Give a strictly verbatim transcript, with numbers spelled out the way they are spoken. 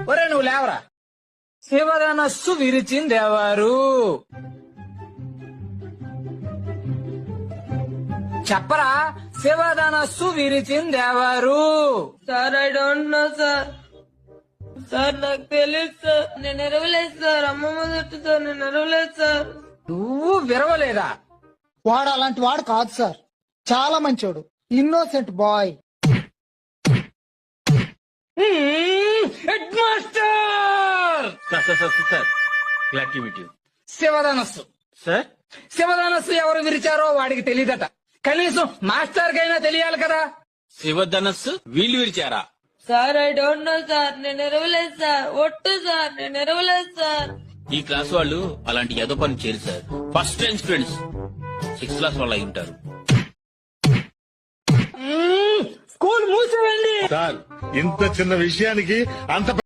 ఒరే నువ్వు లేవరా. శివధనస్సు విరిచిందెవరు? చెప్పరా, శివధనస్సు విరిచిందెవరు? Sir I don't know sir. Sir నాకు తెలియదు సార్. నేను ఎరవలేదు సార్. అమ్మమ్మ చుట్టూ నేను ఎరవలేదు సార్. నువ్వు విరవలేదా? వాడు అలాంటి వాడు కాదు సార్, చాలా మంచోడు, innocent boy. Head master sir sir sir sir glad to meet you. శివధనస్సు సార్ శివధనస్సు ఎవరు విరిచారో వాడికి తెలియదట. కనీసం మాస్టర్ కైనా తెలియాలి కదా. శివధనస్సు వీళ్ళు విరిచారా? Sir I don't know sir. నేను ఎరవలేదు సార్. ఒట్టు సార్, నేను ఎరవలేదు సార్. ఈ క్లాస్ వాళ్ళు అలాంటి ఏదో పని చేయరు sir. First time students sixth class వాళ్ళు అయి ఉంటారు. స్కూల్ మూసేయండి. సార్ ఇంత చిన్న విషయానికి అంత